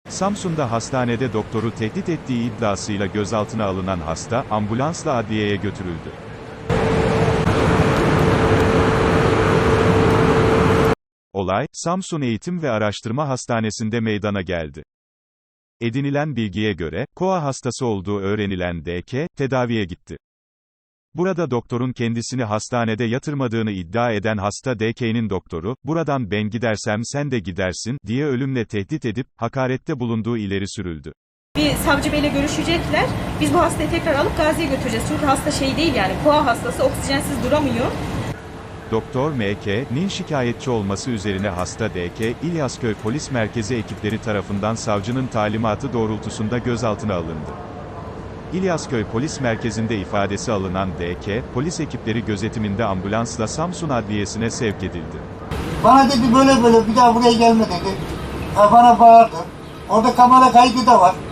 Samsun'da hastanede doktoru tehdit ettiği iddiasıyla gözaltına alınan hasta, ambulansla adliyeye götürüldü. Olay, Samsun Eğitim ve Araştırma Hastanesi'nde meydana geldi. Edinilen bilgiye göre, KOA hastası olduğu öğrenilen DK, tedaviye gitti. Burada doktorun kendisini hastanede yatırmadığını iddia eden hasta DK'nin doktoru, "Buradan ben gidersem sen de gidersin," diye ölümle tehdit edip, hakarette bulunduğu ileri sürüldü. Bir savcı beyle görüşecekler. Biz bu hastayı tekrar alıp Gazi'ye götüreceğiz. Çünkü hasta şey değil yani, KOA hastası, oksijensiz duramıyor. Doktor M.K.'nin şikayetçi olması üzerine hasta D.K., İlyasköy Polis Merkezi ekipleri tarafından savcının talimatı doğrultusunda gözaltına alındı. İlyasköy Polis Merkezi'nde ifadesi alınan D.K., polis ekipleri gözetiminde ambulansla Samsun Adliyesi'ne sevk edildi. Bana dedi böyle böyle bir daha buraya gelme dedi. Bana bağırdı. Orada kamera kaydı da var.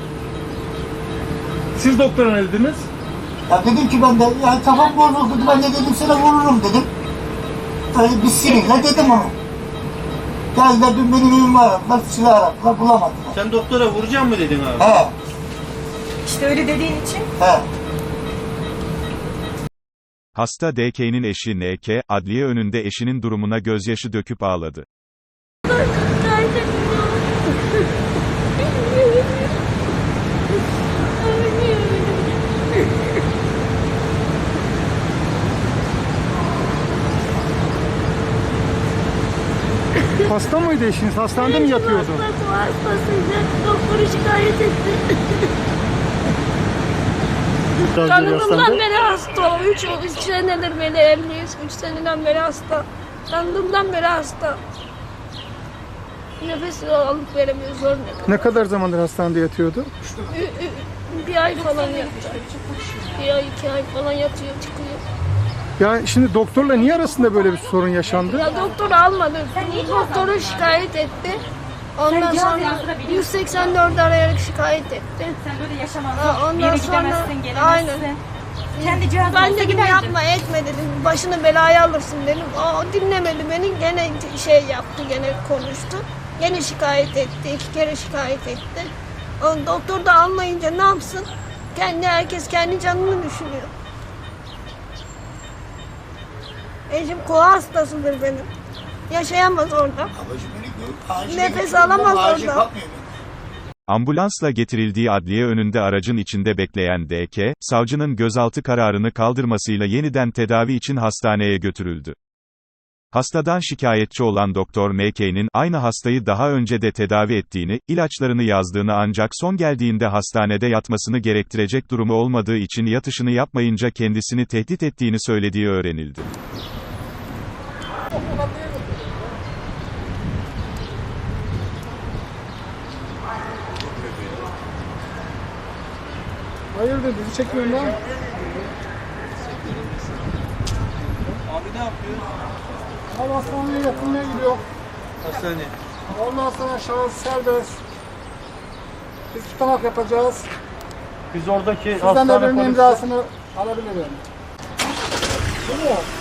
Siz doktora ne dediniz? Ya dedim ki ben de ya kafam bozuldu dedi. Ben de dedim sana vururum dedim. Öyle bir sinirle dedim onu. Geldiler dün benim evimi aradılar, silah aradılar, bulamadılar. Sen doktora vuracağım mı dedin abi? He, İşte öyle dediğin için. he. Hasta D.K.'nin eşi N.K., adliye önünde eşinin durumuna gözyaşı döküp ağladı. Hasta mıydı eşiniz? Hastanede mi yatıyordu? Hastasıydı. Doktoru şikayet etti. Tanıdığımdan beri hasta. 3 senedir beri evliyiz. 3 seneden beri hasta. Tanıdığımdan beri hasta. Nefes alıp veremiyor, zor nefes. Ne kadar zamandır hastanede yatıyordu? Bir ay falan yattı. Bir ay, 2 ay falan yatıyor, çıkıyor. Ya şimdi doktorla niye arasında böyle bir sorun yaşandı? Ya doktor almadı. Doktoru şikayet etti. Ondan sonra 184 arayarak şikayet etti. Sen böyle yaşamazsın. Ondan Bir yere sonra gidemezsin, gelemezsin. aynen. Kendi cihazına Ben dedim yapma etme dedim. Başını belaya alırsın dedim. O dinlemedi beni. Gene şey yaptı, gene konuştu. Gene şikayet etti. 2 kere şikayet etti. O doktor da anlayınca ne yapsın? Herkes kendi canını düşünüyor. Eşim KOA hastasıdır benim. Yaşayamaz orada. Nefes alamaz orada. Ambulansla getirildiği adliye önünde aracın içinde bekleyen D.K., savcının gözaltı kararını kaldırmasıyla yeniden tedavi için hastaneye götürüldü. Hastadan şikayetçi olan Doktor M.K.'nin aynı hastayı daha önce de tedavi ettiğini, ilaçlarını yazdığını ancak son geldiğinde hastanede yatmasını gerektirecek durumu olmadığı için yatışını yapmayınca kendisini tehdit ettiğini söylediği öğrenildi. Hayırdır bizi çekmiyorsun lan? Abi ne yapıyoruz? Abi hastaneye yatırmaya gidiyor. Hastane. Ondan sonra şahıs serbest. Biz tutanak yapacağız. Biz oradaki Sizden de birinin imzasını alabilirim. Değil mi?